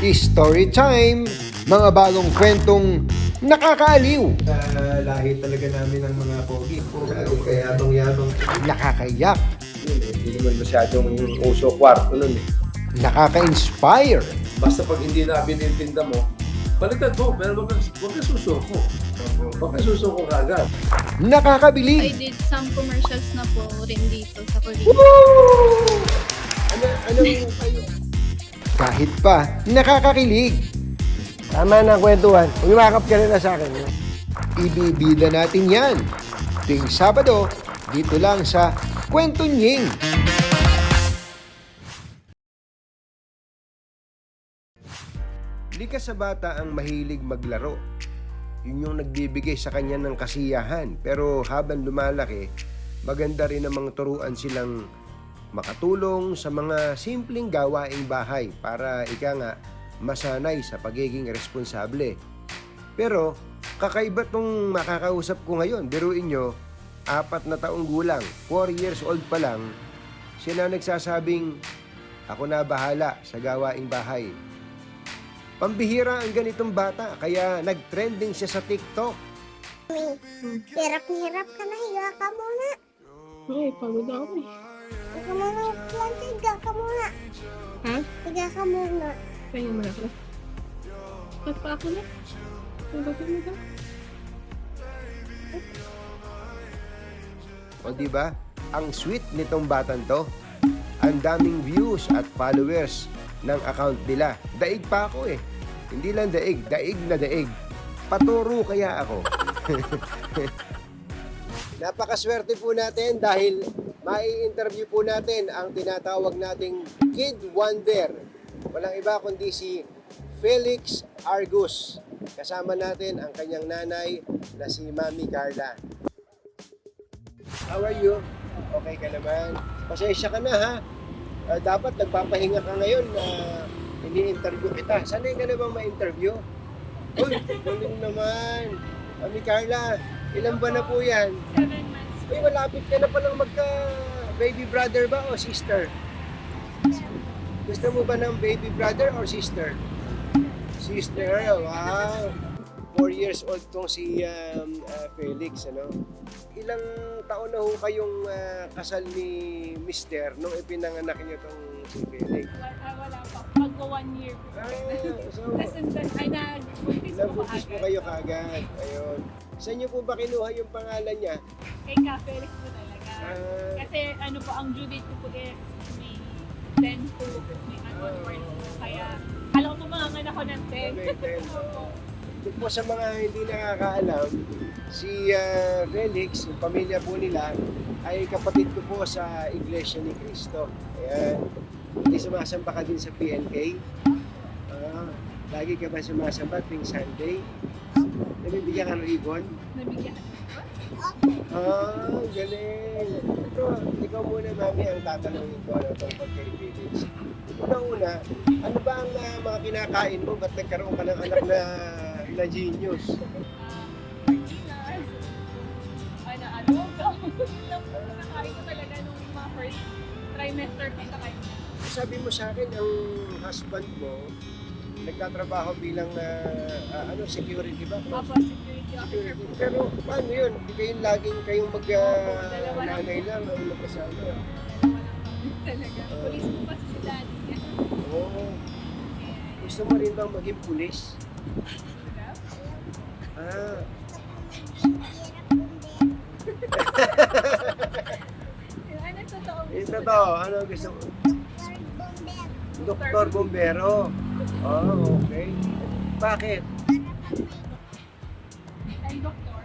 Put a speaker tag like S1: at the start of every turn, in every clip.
S1: Story time! Mga bagong kwentong nakakaaliw,
S2: Lahi talaga namin ng mga pogi. Kaya yabang-yabang.
S1: nakakayak,
S2: Hindi naman masyadong uso kwarto nun eh.
S1: nakaka-inspire,
S3: Basta pag hindi na binintinda mo, baliktad mo, pero wag ka susuko. Wag ka susuko kagad.
S4: I
S1: nakakabilib,
S4: did some commercials na po rin dito sa Korea.
S2: Anong kayo?
S1: kahit pa nakakakilig.
S2: Tama na kwentuhan. Umiwakap ka na sa akin.
S1: Ibibida natin yan. Tuwing Sabado, dito lang sa Kwento Nying. Likas sa bata ang mahilig maglaro. Yun yung nagbibigay sa kanya ng kasiyahan. Pero habang lumalaki, maganda rin namang turuan silang makatulong sa mga simpleng gawaing bahay para ika nga masanay sa pagiging responsable. Pero kakaiba tong makakausap ko ngayon. Biruin nyo, 4 na taong gulang, 4 years old pa lang, siya na nagsasabing, ako na bahala sa gawaing bahay. Pambihira ang ganitong bata, kaya nag-trending siya sa TikTok.
S5: Hirap na hirap ka na, higa ka muna.
S6: Ay, pagod ako eh.
S5: Higa muna, planta, higa ka muna.
S6: Ha?
S5: Higa ka muna.
S6: Kaya mo na ako. Ba't pa ako na? Bakit mo ba?
S1: O diba? Ang sweet nitong batang to. Ang daming views at followers ng account nila. Daig pa ako eh. Hindi lang daig, daig na daig. Paturo kaya ako. Napakaswerte po natin dahil mai-interview po natin ang tinatawag nating Kid Wonder. Walang iba kundi si Felix Argus. Kasama natin ang kanyang nanay na si Mami Carla. How are you? Okay ka naman? Pasensya ka na ha. Dapat nagpapahinga ka ngayon na ini-interview kita. Sanay ka na bang ma-interview? Uy, galing naman. Mami Carla, ilan ba na po yan?
S4: 7 months.
S1: Uy, malapit ka na palang magka baby brother ba o sister? Gusto mo ba ng baby brother or sister? Sister, wow. 4 years old tong si Felix, ano? Ilang taon na ho kayong kasal ni Mister nung ipinanganak niyo tong si Felix?
S4: Wala pa. Magko 1 year po.
S1: So,
S4: Tapos ay nag-buntis po
S1: nabuntis po kayo kagad. Ayun. Saan niyo po ba kinuha yung pangalan niya?
S4: Kay Ka Felix po talaga. Kasi ano po, ang due date ko po is May 10 to May onwards po. Kaya alam ko po mga anak ko ng 10.
S1: May 10. Ito po sa mga hindi nakakaalam, si Felix, yung pamilya po nila, ay kapatid ko po sa Iglesia ni Cristo. Ayan. Hindi sumasamba ka din sa PNK? Lagi ka ba sumasamba tuwing Sunday? Nabibigyan ka ng ribbon?
S4: Nabigyan.
S1: Galing. Ito, ikaw muna, Mami, ang tatanungin ko tungkol kay Felix. Una-una, ano ba ang mga kinakain mo? Ba't nagkaroon ka ng anak na genius?
S4: Sardinas. Adobo. Nakain ko talaga nung mga first trimester ko sa kanya.
S1: Sabi mo sa akin, ang husband mo, nagtatrabaho bilang security ba?
S4: Opo, security officer po.
S1: Pero paano yun? Hindi kayong laging kayong
S4: dalawa lang.
S1: nanay lang ang magkasama.
S4: Talaga. Police po kasi si daddy.
S1: Oo. Gusto mo rin bang maging pulis? Ah,
S4: Ano totoo?
S1: yung totoo. Ano gusto mo? Doktor Bombero. Oh, okay. Bakit?
S4: And doktor?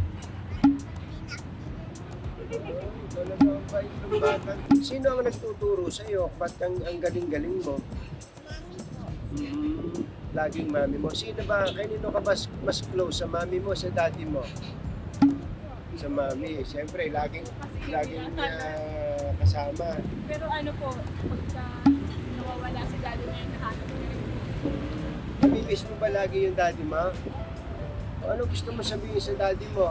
S1: Talaga ang bait ng bata. Sino ang nagtuturo sa iyo? Ba't ang galing-galing mo? Laging mami mo. Sino ba? Kanino ka mas close? Sa mami mo, sa daddy mo? Sa mami. Siyempre, laging kasama.
S4: Pero ano po, pagka nawawala si daddy na yun, nahanap ko rin.
S1: Namimiss mo ba lagi yung daddy mo? O ano gusto mo sabihin sa daddy mo?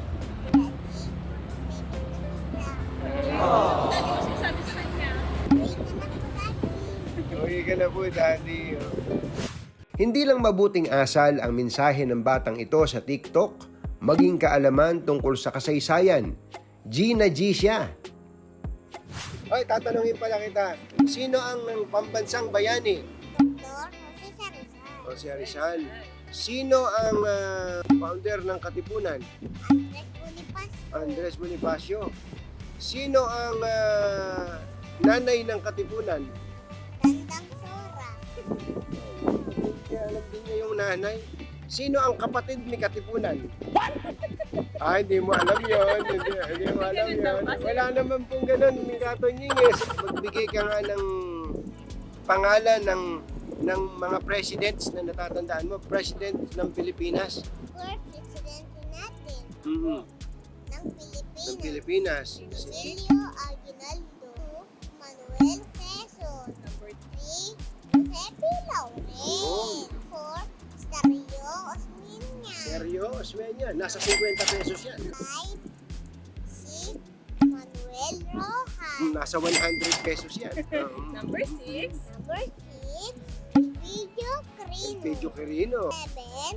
S4: Daddy ko sinasabi sa kanya.
S1: Uwi ka na po, daddy. Hindi lang mabuting asal ang mensahe ng batang ito sa TikTok, maging kaalaman tungkol sa kasaysayan. G na G siya. Hoy, tatanungin pala kita, sino ang pambansang bayani?
S5: Dr. Jose
S1: O
S5: Rizal.
S1: si Rizal. Sino ang founder ng Katipunan?
S5: Andres Bonifacio.
S1: Andres Bonifacio. Sino ang nanay ng Katipunan?
S5: Dandang Sora.
S1: Kaya alam din niya yung nanay. Sino ang kapatid ni Katipunan? Hindi mo alam yun. Hindi mo alam yun. Wala naman pong ganun. Katonying magbigay ka nga ng pangalan ng mga presidents na natatandaan mo. President ng Pilipinas.
S5: First presidente natin
S1: Mhm.
S5: ng Pilipinas.
S1: Ng Pilipinas.
S5: Rogelio Aguinaldo. Manuel Quezon. Number 3, Josepe Lauren. 4, Stario Osmeña.
S1: Seryo, Osmeña. Nasa 50 pesos yan.
S5: 5, si Manuel Rojas.
S1: Nasa 100 pesos yan.
S4: Number 6.
S5: Number 6, Video Crino.
S1: Pedro Quirino.
S5: 7,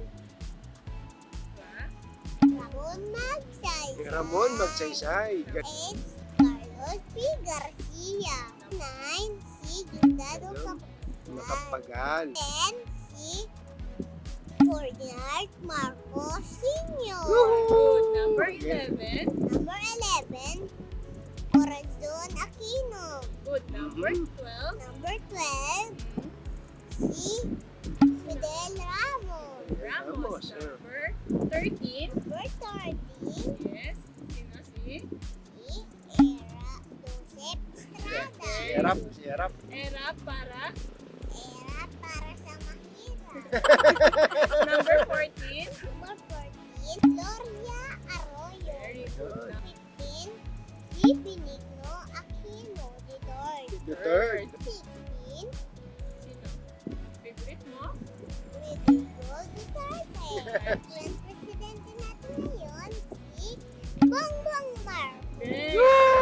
S5: Ramon Magsaysay.
S1: Ramon Magsaysay.
S5: 8, Carlos P. Garcia. 9, si Gustavo
S1: Makapagal.
S5: 10, si Ferdinand Marcos Sr.
S4: Good. Number 11.
S5: Number 11, Corazon Aquino.
S4: Good. Number 12.
S5: Number 12, si Fidel Ramos.
S4: Ramos. Number 13.
S5: Number 13,
S4: Yes. Sino si?
S5: si Era Joseph Estrada.
S1: Si Erap.
S4: Era para.
S5: Era para sa mahirap.
S4: Number 14.
S5: Number 14, Gloria Arroyo.
S4: Very good.
S5: 15, si Benigno Aquino de Dord.
S1: The third.
S5: 16,
S4: Sino? Favorite mo?
S5: Rodrigo Duterte. Ang presidente natin ngayon, si Bongbong Marcos.
S4: Yes.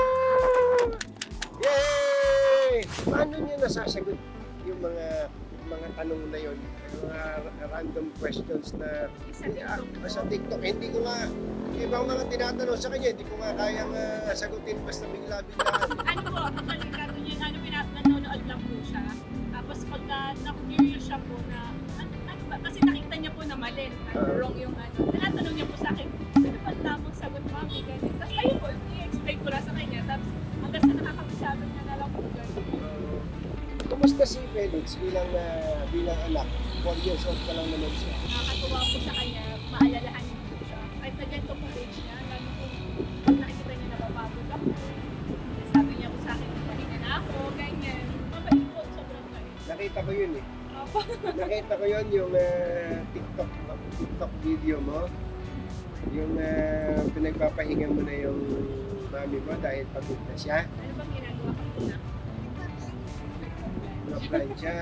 S1: Yay! Paano niyo nasasagot yung mga tanong na yon? Yung mga random questions na sa TikTok. Hindi ko nga, ibang mga tinatanong sa kanya, hindi ko nga kayang sagutin basta bigla-biglaan.
S4: Ano po, actually, kato niya, nanonood lang po siya. Tapos pagka na-curious siya po na, ano ba, kasi nakita niya po na mali, wrong yung tinatanong niya po sa akin, ano ba tamang sagot, mami, ganyan. Tapos ayun po, i-explain ko lang sa kanya. Tapos hanggang sa nakakapasabi niya na lang po ganyan.
S1: Kumusta si Felix bilang anak? 4 years old pa lang naman siya.
S4: Nakakatuwa po sa kanya, maalalahanin po siya. Kahit na ganito po age niya, lalo po, pag nakikita niya napapagod ako, sabi niya po sa akin, pahinga na ako, ganyan. Mabait po, sobrang bait.
S1: Nakita ko yun eh.
S4: Opo.
S1: Nakita ko yun yung TikTok video mo. Yung pinagpapahinga mo na yung mami mo dahil pagod na siya.
S4: Ano bang ginagawa ko na?
S1: Na-plan siya.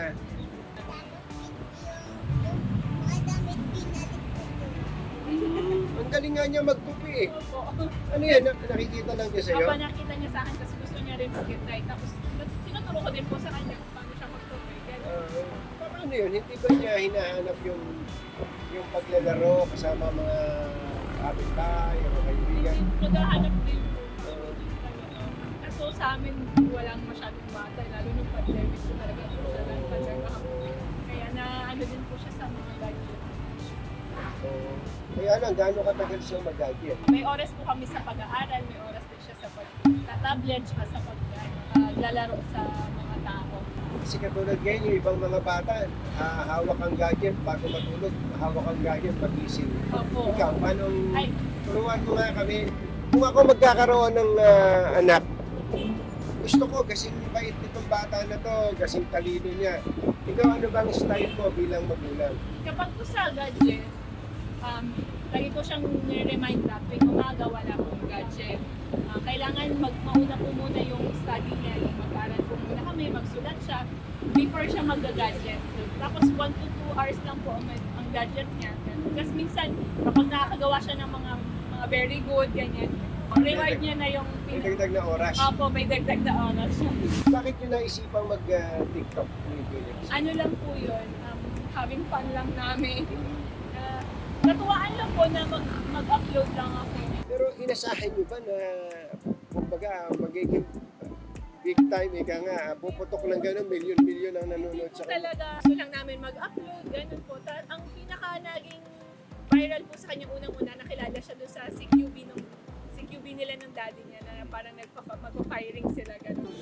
S5: Mga damit pinalik ko doon.
S1: Ang galing nga niya magtupi eh.
S4: Opo.
S1: Ano yan? Nakikita lang niya sa'yo?
S4: Kapag nakita niya sa akin kasi gusto niya rin mag-try. Tapos tinuturo ko din po sa kanya kung paano siya mag-try.
S1: Paano yun? Hindi ba niya hinahanap yung paglalaro kasama mga kapitbahay, mga kaibigan?
S4: Naghahanap din po. Kaso sa amin walang masyadong bata. Lalo nung pandemic po talaga po siya nagpaserva ako. Kaya na ano din po siya sa mga gadget.
S1: Oo. Kaya lang, gaano katagal siya mag-gadget?
S4: May oras po kami sa pag-aaral, may oras din siya sa pag-tablet, sa paglalaro sa mga tao.
S1: Kasi katulad ngayon, yung ibang mga bata, hawak ang gadget bago matulog, hawak ang gadget pagising.
S4: Opo.
S1: Ikaw, paano,
S4: Ay,
S1: turuan mo nga kami, kung ako magkakaroon ng anak, gusto ko kasing bait nitong bata na to, kasing talino niya. Ikaw, ano bang style mo bilang magulang?
S4: kapag po sa gadget, lagi ko siyang nire-remind na tuwing umaga wala akong gadget. Kailangan mauna po muna yung study niya, yung mag-aral po muna kami, magsulat siya before siya mag-gadget. Tapos 1 to 2 hours lang po ang gadget niya. Kasi minsan, kapag nakakagawa siya ng mga very good, ganyan, reward niya na yung
S1: May dagdag na oras.
S4: Opo, may dagdag na oras siya.
S1: Bakit nyo naisipang mag-TikTok ni Felix?
S4: Ano lang po yun, having fun lang namin. Natuwaan lang po na mag-upload lang ako.
S1: Pero inasahan nyo ba na kumbaga magiging big time, ika nga, puputok lang gano'n, milyon-milyon ang nanonood sa kanya.
S4: Talaga, gusto lang namin mag-upload, ganun po. Ang pinaka naging viral po sa kanya unang-una, nakilala siya doon sa CQB nila ng daddy niya na parang mag-firing sila, ganun.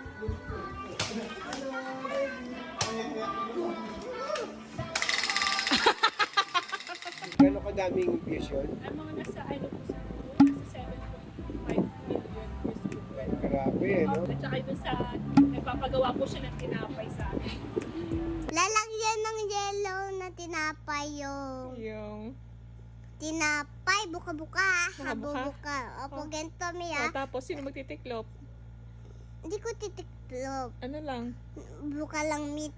S1: Gano'n kadaming views yun?
S4: Ang mga nasa, nasa 7.5 million views po. Ganun.
S1: Grabe, no?
S4: At saka doon sa, nagpapagawa po siya ng tinapay sa akin.
S5: Lalagyan ng yellow na tinapay
S6: Yung...
S5: tinapay, buka-buka.
S6: Buka-buka?
S5: Habubuka. Opo,
S6: Oh.
S5: ganito mi
S6: Oh, tapos, sino magtitiklop?
S5: Hindi ko titiklop.
S6: Ano lang?
S5: Buka lang mi.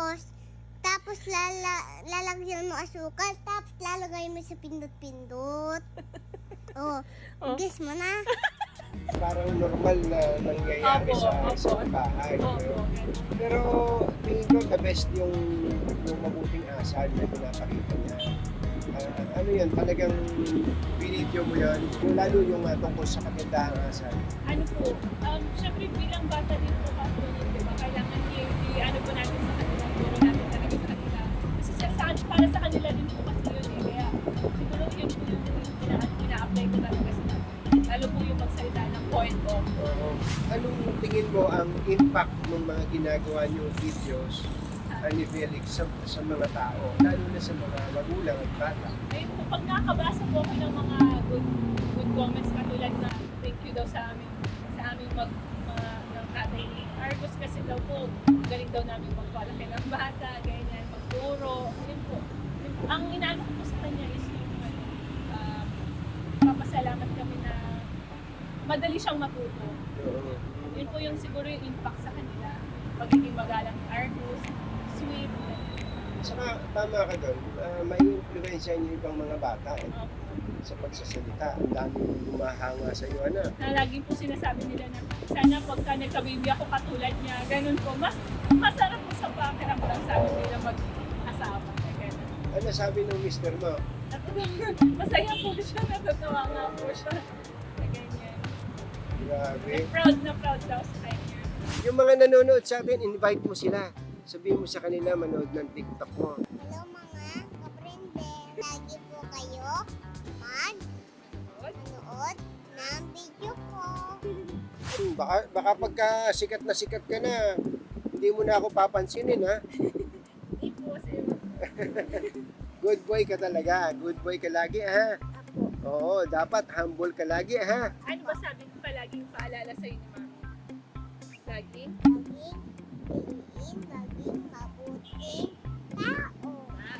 S5: Tapos lalagyan mo asukal. Tapos lalagay mo sa pindot-pindot. Oh,
S6: Oh.
S5: guess mo na.
S1: Parang normal na nangyayari
S4: Opo,
S1: sa
S4: opo.
S1: isang bahay.
S4: Oo,
S1: no?
S4: ganun.
S1: Pero tingin ko the best yung mabuting asal na pinapakita niya. Ano yan, talagang binidyo mo yan, lalo yung tungkol sa kagandahang asal.
S4: Ano po, syempre bilang bata din po kasi yun, di ba? Kailangan ano po natin sa kanila, turo natin talaga sa kanila. Kasi para sa kanila din po kasi yun eh. Kaya siguro yun po yung ina-apply ko talaga sa kanila. Lalo po yung magsalita ng point of.
S1: Oo. Anong tingin mo ang impact ng mga ginagawa niyong videos ni Felix sa mga tao, lalo na sa mga magulang at bata?
S4: Ayun po, pag nakakabasa po ako ng mga good comments katulad na thank you daw sa aming ng tatay ni Argos kasi daw po, galing daw namin magpalaki ng bata, ganyan, magturo. Yun po. Ang inaano ko po sa kanya is yung papasalamat kami na madali siyang matuto.
S1: Oo.
S4: Yun po yung siguro yung impact sa kanila. Pagiging magalang ni Argos, sweet.
S1: Saka tama ka doon, may influensya niyo ibang mga bata sa pagsasalita. Ang daming humahanga sa iyo, anak.
S4: Na lagi po sinasabi nila na sana pagka nagka-baby ako katulad niya, ganun po. Mas masarap po sa pakiramdam sa amin nila mag-asawa. Ganun.
S1: Ano sabi ng mister mo?
S4: Masaya po siya, natutuwa nga po siya. Na ganyan.
S1: Grabe.
S4: Na proud daw sa kanya.
S1: Yung mga nanonood sa atin, invite mo sila. Sabihin mo sa kanila, manood ng TikTok mo.
S5: Hello mga kaprende. Lagi po kayo manood ng video ko.
S1: Baka pagka sikat ka na, hindi mo na ako papansinin, ha?
S4: Hindi po kasi.
S1: Good boy ka talaga. Good boy ka lagi, ha?
S5: Apo.
S1: Oo, dapat humble ka lagi, ha?
S4: Ano ba sabi ko palaging paalala sa'yo ni Mami? Laging?
S5: Laging mabuting tao.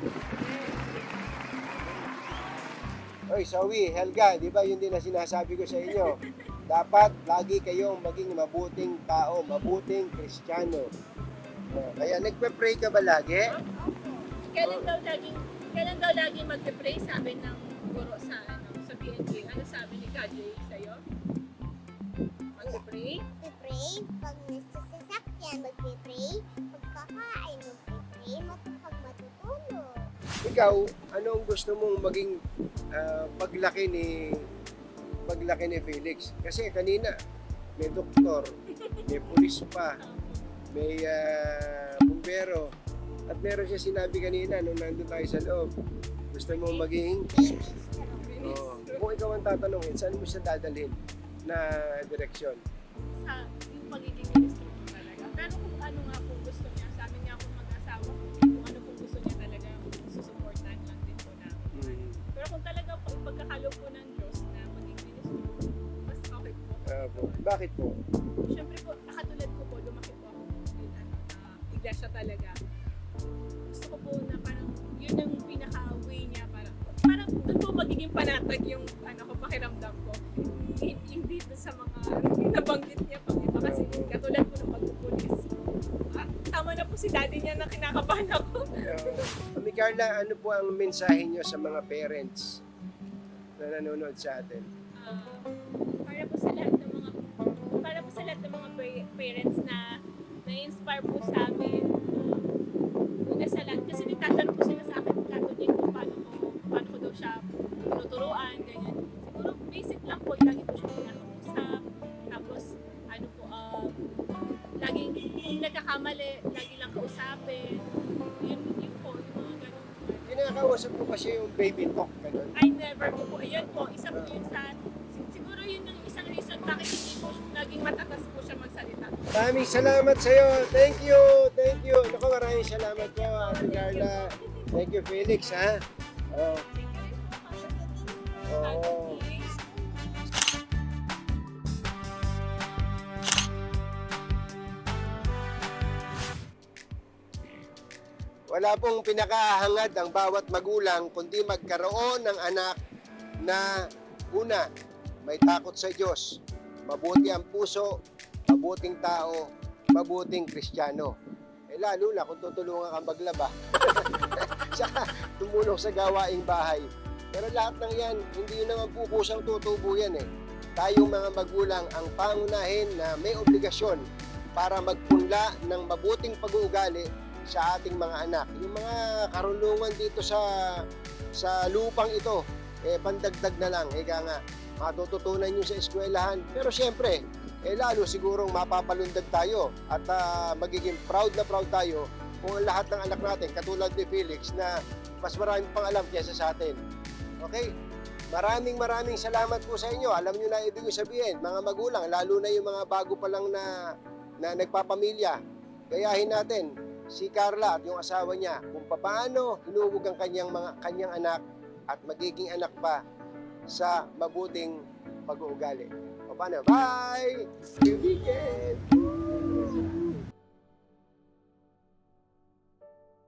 S1: Oy, Sawi, Helga, di ba yun din na sinasabi ko sa inyo? Dapat lagi kayong maging mabuting tao, mabuting Kristiyano. Kaya nagpe-pray ka ba lagi?
S4: Kailan daw laging magpe-pray sabi ng guro sa PNG? Ano sabi ni Kajay sa'yo? Magpe-pray?
S5: Magpipray pag nasa sasakyan, magpipray. Pagkakain, magpipray. Pag matutulog.
S1: Ikaw, anong gusto mong maging paglaki ni Felix? Kasi kanina, may doktor, may pulis pa, may bumbero, at meron siya sinabi kanina nung nandun tayo sa loob. Gusto mong maging, kung ikaw ang tatanungin, saan mo siya dadalhin na direksyon?
S4: Sa yung magiging ministro ko talaga. Pero kung ano nga kung gusto niya, sa amin nga kung mag-asawa, kung ano kung gusto niya talaga, susuportahan lang din po namin. Pero kung talaga po, pagkakalo po ng Diyos na maging ministro, mas okay po.
S1: Bakit po?
S4: Siyempre po, nakatulad ko po, lumaki po ako in iglesia talaga. Gusto ko po na parang yun ang pinaka-way niya, parang doon po magiging panatag yung pakiramdam ko. Hindi doon sa mga nabanggit niya pang iba kasi katulad po ng pagpupulis. Tama na po si daddy niya na kinakabahan ako.
S1: Mami Carla, ano po ang mensahe niyo sa mga parents na nanonood sa atin?
S4: Para po sa lahat ng mga parents na na-inspire po sa amin. Una sa lahat kasi nitatanong po
S1: baby talk, ganun.
S4: I never po. Ayun po, isa po yun sa, siguro yun yung isang reason bakit hindi po naging matatas po siya magsalita.
S1: Maraming salamat sa iyo. Thank you. Thank you. Naku, maraming salamat po, Ate Carla. Thank you, Felix, ha? Oh.
S4: Thank you rin po.
S1: Oo. Wala pong pinakahangad ang bawat magulang kundi magkaroon ng anak na una, may takot sa Diyos, mabuti ang puso, mabuting tao, mabuting Kristiyano. Lalo na kung tutulungan kang maglaba. Saka tumulong sa gawaing bahay. Pero lahat ng yan, hindi yun naman po kusang tutubo yan eh. Tayong mga magulang ang pangunahin na may obligasyon para magpunla ng mabuting pag-uugali sa ating mga anak. Yung mga karunungan dito sa lupang ito, pandagdag na lang, ika nga, matututunan nyo sa eskwelahan. Pero siyempre, lalo sigurong mapapalundag tayo at magiging proud na proud tayo kung ang lahat ng anak natin, katulad ni Felix, na mas maraming pang alam kaysa sa atin. Okay? Maraming salamat po sa inyo. Alam nyo na ibig sabihin, mga magulang, lalo na yung mga bago pa lang na nagpapamilya. Gayahin natin si Carla at yung asawa niya kung paano hinuhog ang kanyang anak at magiging anak pa sa mabuting pag-uugali. O paano? Bye! Good weekend!